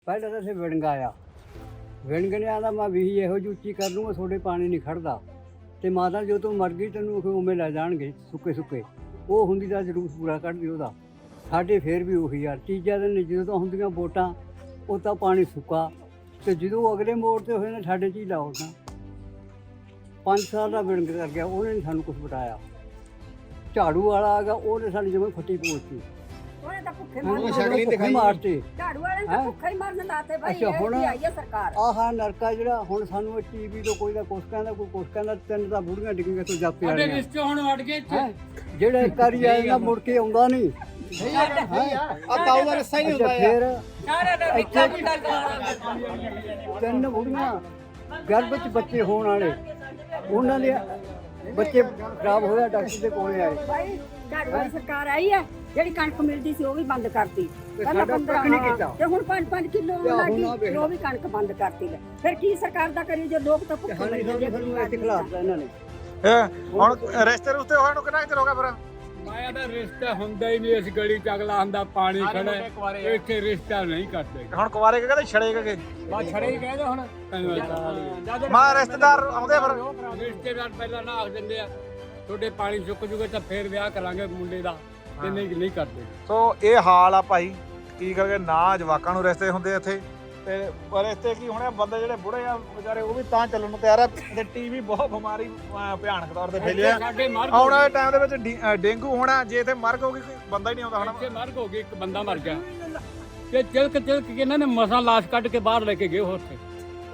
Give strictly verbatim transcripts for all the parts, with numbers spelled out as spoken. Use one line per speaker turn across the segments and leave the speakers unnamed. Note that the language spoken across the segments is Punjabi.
ਪਹਿਲਾਂ ਤਾਂ ਅਸੀਂ ਵਿਣਗ ਆਇਆ ਵਿਣਗਣਿਆਂ ਦਾ ਮੈਂ ਵੀ ਇਹੋ ਜਿਹੀ ਉੱਚੀ ਕਰ ਲੂੰਗਾ ਤੁਹਾਡੇ ਪਾਣੀ ਨਹੀਂ ਖੜਦਾ ਅਤੇ ਮਾਤਾ ਜੋ ਤੂੰ ਮਰ ਗਈ ਤੈਨੂੰ ਉਵੇਂ ਲੈ ਜਾਣਗੇ ਸੁੱਕੇ ਸੁੱਕੇ ਉਹ ਹੁੰਦੀ ਤਾਂ ਜਲੂਸ ਪੂਰਾ ਕੱਢਦੀ ਉਹਦਾ। ਸਾਡੇ ਫੇਰ ਵੀ ਉਹੀ ਯਾਰ ਤੀਜਾ ਦਿਨ ਜਦੋਂ ਤਾਂ ਹੁੰਦੀਆਂ ਵੋਟਾਂ ਉਹ ਤਾਂ ਪਾਣੀ ਸੁੱਕਾ ਅਤੇ ਜਦੋਂ ਅਗਲੇ ਮੋੜ 'ਤੇ ਹੋਏ ਨੇ ਸਾਡੇ 'ਚ ਹੀ ਲਾਓ ਤਾਂ ਪੰਜ ਸਾਲ ਦਾ ਵਿਣਗ ਕਰ ਗਿਆ ਉਹਨੇ ਨਹੀਂ ਸਾਨੂੰ ਕੁਛ ਬਤਾਇਆ। ਝਾੜੂ ਵਾਲਾ ਆ ਗਿਆ ਉਹਨੇ ਸਾਡੀ ਜਿਵੇਂ ਫੱਟੀ ਪੋਚਤੀ
ਉਹਨੇ ਤਾਂ ਭੁੱਖੇ
ਭੁੱਖੇ ਮਾਰਤੇ।
ਝਾੜੂ ਵਾਲੇ ਤਾਂ ਭੁੱਖੇ ਹੀ ਮਰਨ ਲਾਤੇ ਭਾਈ।
ਅੱਛਾ ਹੁਣ
ਇਹ ਆਈ ਹੈ ਸਰਕਾਰ
ਆਹ ਨਰਕਾ ਜਿਹੜਾ ਹੁਣ ਸਾਨੂੰ ਇਹ ਟੀਵੀ ਤੋਂ ਕੋਈ ਦਾ ਕੁਛ ਕਹਿੰਦਾ ਕੋਈ ਕੁਛ ਕਹਿੰਦਾ ਤਿੰਨ ਤਾਂ ਬੁੜੀਆਂ ਡਿੱਗੀਆਂ ਤੋਂ ਜਾਪੇ ਵਾਲੀਆਂ
ਰਿਸ਼ਤੇ ਹੁਣ ਵੜ ਗਏ ਇੱਥੇ
ਜਿਹੜਾ ਇੱਕ ਵਾਰੀ ਆਏਗਾ ਮੁੜ ਕੇ ਆਉਂਦਾ ਨਹੀਂ।
ਆ ਤਾਊ ਦਾ ਰਸਾ ਹੀ ਨਹੀਂ ਹੁੰਦਾ
ਫਿਰ
ਸਾਰੇ ਦਾ ਵਿੱਚਾ ਮੁੰਡਾ
ਤਿੰਨ ਬੁੜੀਆਂ ਗਰਭ ਵਿੱਚ ਬੱਚੇ ਹੋਣ ਵਾਲੇ ਉਹਨਾਂ ਦੇ ਬੱਚੇ ਖਰਾਬ ਹੋਇਆ ਡਾਕਟਰ ਦੇ ਕੋਲੇ ਆਏ।
ਭਾਈ ਝਾੜੂ ਵਾਲੀ ਸਰਕਾਰ ਆਈ ਹੈ ਜਿਹੜੀ ਕਣਕ ਮਿਲਦੀ ਸੀ ਉਹ ਵੀ ਬੰਦ ਕਰਤੀ ਪਹਿਲਾਂ
ਸਾਡਾ
ਪੰਦਰਾਂ
ਕੱਖ ਨਹੀਂ ਕੀਤਾ।
ਤੇ ਹੁਣ ਪੰਜ ਪੰਜ ਕਿਲੋ
ਤੇ ਹੁਣ
ਲੱਗੀ
ਆਹ ਵੇਖ
ਤੇ ਉਹ ਵੀ ਕਣਕ ਬੰਦ ਕਰਤੀ ਲੈ। ਫਿਰ ਕੀ ਸਰਕਾਰ ਦਾ ਕਰੀ ਜੇ ਲੋਕ ਤਾਂ ਭੁੱਖੇ ਮਰ ਜਾਂਦੇ
ਸਾਨੂੰ ਇੱਥੇ ਖਿਲਾਫ ਇਹਨਾਂ ਨੇ।
ਹੁਣ ਰਿਸ਼ਤੇ ਰੁਸ਼ਤੇ ਹੋਏ ਨੂੰ ਕਿੰਨਾ ਚਿਰ ਹੋ ਗਿਆ ਫਿਰ?
ਮਾਇਆ ਦਾ ਰਿਸ਼ਤਾ ਹੁੰਦਾ ਹੀ ਨਹੀਂ। ਇਸ ਗਲੀ ਚ ਅਗਲਾ ਹੁੰਦਾ ਪਾਣੀ ਖੜਾ ਹੈ। ਇੱਥੇ ਰਿਸ਼ਤਾ ਨਹੀਂ ਕਰਦੇ।
ਹੁਣ ਕੁਵਾਰੇ ਕਹਿੰਦੇ ਛੜੇ ਕੇ
ਬਾ ਛੜੇ ਹੀ ਕਹਿੰਦੇ ਹੁਣ
ਮਾਂ ਰਿਸ਼ਤੇਦਾਰ ਆਉਂਦੇ ਫਿਰ
ਰਿਸ਼ਤੇਦਾਰ ਪਹਿਲਾਂ ਨਾ ਆਖ ਦਿੰਦੇ ਆ ਤੁਹਾਡੇ ਪਾਣੀ ਸੁੱਕ ਜੂਗੇ ਤਾਂ ਫੇਰ ਵਿਆਹ ਕਰਾਂਗੇ ਮੁੰਡੇ ਦਾ ਤੇ ਨਹੀਂ ਨਹੀਂ ਕਰਦੇ।
ਸੋ ਇਹ ਹਾਲ ਆ ਭਾਈ ਕੀ ਕਰਕੇ ਨਾ ਜਵਾਕਾਂ ਨੂੰ ਰਿਸ਼ਤੇ ਹੁੰਦੇ ਇੱਥੇ ਤੇ ਰਿਸ਼ਤੇ ਕੀ ਹੋਣੇ ਬੰਦੇ ਜਿਹੜੇ ਬੁੜੇ ਆ ਵਿਚਾਰੇ ਉਹ ਵੀ ਤਾਂ ਚੱਲਣ ਨੂੰ ਤਿਆਰ ਆ ਤੇ ਟੀਵੀ ਬਹੁਤ ਬਿਮਾਰੀ ਅਹ ਭਿਆਨਕ ਤੌਰ ਤੇ ਫੈਲਿਆ।
ਸਾਡੇ ਮਰ
ਆਉਣ ਵਾਲੇ ਟਾਈਮ ਦੇ ਵਿੱਚ ਡੀ- ਅਹ ਡੇਂਗੂ ਹੋਣਾ ਜੇ ਇੱਥੇ ਮਰਗ ਹੋ ਗਈ ਕੋਈ ਬੰਦਾ ਹੀ ਨਹੀਂ ਆਉਂਦਾ
ਇੱਥੇ
ਹੁਣ।
ਮਰਗ ਹੋ ਗਈ ਇੱਕ ਬੰਦਾ ਮਰ ਗਿਆ ਤੇ ਤਿਲਕ ਤਿਲਕ ਕੇ ਇਹਨਾਂ ਨੇ ਮਸਾਂ ਲਾਸ਼ ਕੱਢ ਕੇ ਬਾਹਰ ਲੈ ਕੇ ਗਏ ਉਹ ਉੱਥੇ।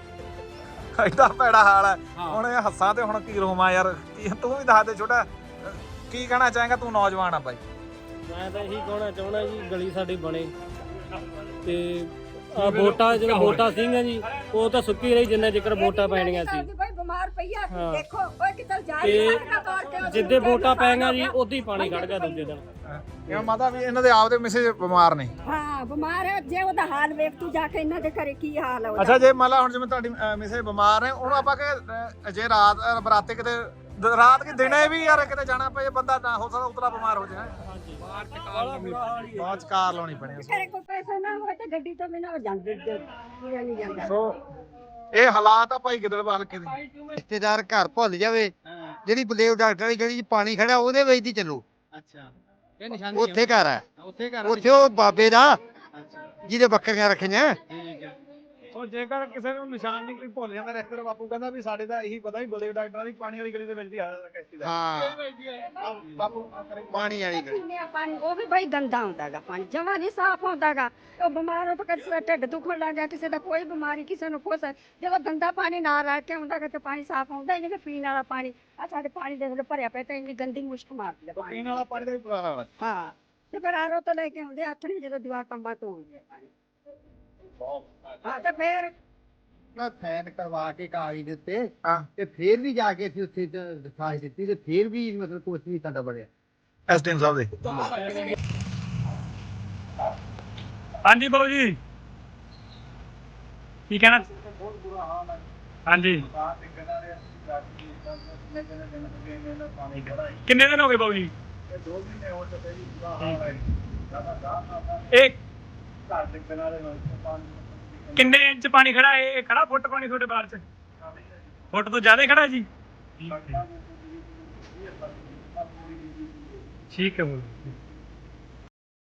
ਐਡਾ ਭੈੜਾ ਹਾਲ ਹੈ
ਹਾਂ।
ਹੁਣ ਇਹ ਹੱਸਾਂ ਤੇ ਹੁਣ ਕੀ ਰੋਵਾਂ ਯਾਰ ਕੀ ਤੂੰ ਵੀ ਦੱਸ ਦੇ ਛੋਟਾ ਕੀ ਕਹਿਣਾ ਚਾਹੇਗਾ ਤੂੰ ਨੌਜਵਾਨ ਆ ਬਾਈ?
ਮੈਂ ਤਾਂ ਇਹੀ ਕਹਿਣਾ ਚਾਹੁੰਦਾ ਜੀ ਗਲੀ ਸਾਡੀ ਬਣੇ ਤੇ ਆ ਵੋਟਾਂ ਜਿਹੜਾ ਵੋਟਾਂ ਸਿੰਘਾਂ ਜੀ ਉਹ ਤਾਂ ਸੁੱਕੀ ਰਹੀ ਜਿੰਨਾ ਚਿਰ ਵੋਟਾਂ ਪੈਣੀਆਂ ਸੀ।
ਭਾਈ ਬਿਮਾਰ ਪਈ ਆ
ਹਾਂ।
ਦੇਖੋ ਓਏ ਕਿੱਧਰ ਜਾ
ਤੇ
ਰਹੀ ਹੈ ਤੋੜ ਕੇ
ਜਿੱਦੇ ਵੋਟਾਂ ਪੈਣੀਆਂ ਜੀ ਉਦੋਂ ਹੀ ਪਾਣੀ ਖੜ ਗਿਆ ਦੂਜੇ ਦਿਨ।
ਇਹ ਮਾਤਾ ਵੀ ਇਹਨਾਂ ਦੇ ਆਪਦੇ ਮਿਸੇ ਬਿਮਾਰ ਨੇ।
ਹਾਂ ਬਿਮਾਰ ਹੈ ਜੇ ਉਹਦਾ ਹਾਲ ਵੇਖ ਤੂੰ ਜਾ ਕੇ ਇਹਨਾਂ ਦੇ ਘਰੇ ਕੀ ਹਾਲ ਹੈ ਉਹਦਾ।
ਅੱਛਾ ਜੇ ਮੰਨ ਲਾ ਹੁਣ ਜਿਵੇਂ ਤੁਹਾਡੀ ਮਿਸੇ ਬਿਮਾਰ ਨੇ ਉਹਨੂੰ ਆਪਾਂ ਕਿ ਜੇ ਰਾਤ ਅਹ ਬਰਾਤੇ ਕਿਤੇ ਦ- ਰਾਤ ਕਿ ਦਿਨੇ ਵੀ ਯਾਰ ਕਿਤੇ ਜਾਣਾ ਪਏ ਬੰਦਾ ਨਾ ਹੋ ਸਕਦਾ ਉਤਲਾ ਬਿਮਾਰ ਹੋ ਜਾਏ ਬਾਅਦ ਚ ਕਾਰ ਲਾਉਣੀ ਪੈਣੀ।
ਘਰੇ ਕੋਈ ਪੈਸਾ ਨਾ ਹੋਵੇ ਤੇ ਗੱਡੀ ਤੋਂ ਬਿਨਾਂ ਜਾਂਦੇ ਪੂਰਾ ਨਹੀਂ ਜਾਂਦਾ।
ਸੋ ਇਹ ਹਾਲਾਤ ਆ ਭਾਈ ਗਿੱਦੜਬਾਹ ਹਲਕੇ ਦੇ।
ਰਿਸ਼ਤੇਦਾਰ ਘਰ ਭੁੱਲ ਜਾਵੇ ਜਿਹੜੀ ਬਲੇਵ ਡਾਕਟਰ ਦੀ ਗਲੀ 'ਚ ਪਾਣੀ ਖੜਾ ਉਹਦੇ ਵਿੱਚ ਦੀ ਚੱਲੋ।
ਅੱਛਾ ਇਹ ਨਿਸ਼ਾਨੀ
ਉੱਥੇ ਘਰ ਹੈ
ਉੱਥੇ ਕਰ
ਉੱਥੇ ਉਹ ਬਾਬੇ ਦਾ ਜਿਹਦੇ ਬੱਕਰੀਆਂ ਰੱਖੀਆਂ।
ਠੀਕ ਹੈ।
ਸੋ ਜੇਕਰ ਕਿਸੇ ਨੂੰ ਨਿਸ਼ਾਨ ਨਹੀਂ ਕੋਈ ਭੁੱਲ ਜਾਂਦਾ ਰਿਸ਼ਤੇਦਾਰ ਬਾਪੂ ਕਹਿੰਦਾ ਵੀ ਸਾਡੇ ਤਾਂ ਇਹੀ ਪਤਾ ਵੀ ਬਲੇਵ ਡਾਕਟਰਾਂ ਦੀ ਪਾਣੀ ਵਾਲੀ ਗਲੀ ਦੇ ਵਿੱਚ ਦੀ ਹਾਲਤ ਹੈ ਦਾ
ਹਾਂ
ਬਾਪੂ
ਪਾਣੀ ਵਾਲੀ ਗਲੀ।
ਪੀਂਦੇ ਆ ਪਾਣੀ ਉਹ ਵੀ ਬਈ ਗੰਦਾ ਹੁੰਦਾਗਾ ਪਾਣੀ ਜਮਾ ਨਹੀਂ ਸਾਫ਼ ਹੁੰਦਾਗਾ। ਉਹ ਬਿਮਾਰ ਹੋ ਤਾਂ ਕਿਸੇ ਦਾ ਢਿੱਡ ਦੁਖਣ ਲੱਗ ਗਿਆ ਕਿਸੇ ਦਾ ਕੋਈ ਬਿਮਾਰੀ ਕਿਸੇ ਨੂੰ ਕੁਛ ਜਦੋਂ ਗੰਦਾ ਪਾਣੀ ਨਾ ਰਹਿ ਕੇ ਹੁੰਦਾ ਕਿ ਪਾਣੀ ਸਾਫ਼ ਹੁੰਦਾ ਹੀ ਨਹੀਂ ਕਿ ਪੀਣ ਵਾਲਾ ਪਾਣੀ ਆ ਸਾਡੇ ਪਾਣੀ ਦੇ ਥੋੜੇ ਭਰਿਆ ਪਿਆ ਤਾਂ ਇੰਨੀ ਗੰਦੀ ਮੁਸ਼ਕ ਮਾਰਦੀ ਆ ਪਾਣੀ।
ਪੀਣ ਵਾਲਾ ਪਾਣੀ ਦਾ ਵੀ ਬੁਰਾ ਹਾਲ ਹੈ।
ਹਾਂ ਤੇ ਫਿਰ ਆਰੋ ਤੋਂ ਲੈ ਕੇ ਆਉਂਦੇ ਹੱਥ ਨਹੀਂ ਜਦੋਂ ਦੀਵਾਰ ਕੰਬਾਂ ਤੋਂ ਆਉਂਦੇ ਪਾਣੀ। ਹਾਂ ਤੇ ਫਿਰ
ਨਾ ਫੈਨ ਕਰਵਾ ਕੇ ਕਾਗਜ਼ ਦੇ ਉੱਤੇ
ਹਾਂ
ਤੇ ਫੇਰ ਵੀ ਜਾ ਕੇ ਅਸੀਂ ਉੱਥੇ ਦਿਖਾਈ ਦਿੱਤੀ ਤੇ ਫੇਰ ਵੀ ਮਤਲਬ ਕੁਛ ਨਹੀਂ ਸਾਡਾ ਬਣਿਆ।
ਐਸਡੀਐਮ ਸਾਹਿਬ ਦੇ
ਹਾਂਜੀ ਬਾਬੂ ਜੀ ਕੀ ਕਹਿਣਾ? ਹਾਂਜੀ ਕਿੰਨੇ ਦਿਨ ਹੋ ਗਏ ਬਾਬੂ ਜੀ? ਇਹ ਕਿੰਨੇ ਇੰਚ ਪਾਣੀ ਖੜਾ? ਇਹ ਖੜਾ ਫੁੱਟ ਪਾਣੀ ਤੁਹਾਡੇ ਬਾਹਰ ਚ? ਫੁੱਟ ਤੋਂ ਜ਼ਿਆਦਾ ਖੜਾ ਜੀ? ਠੀਕ ਹੈ ਬਾਬੂ।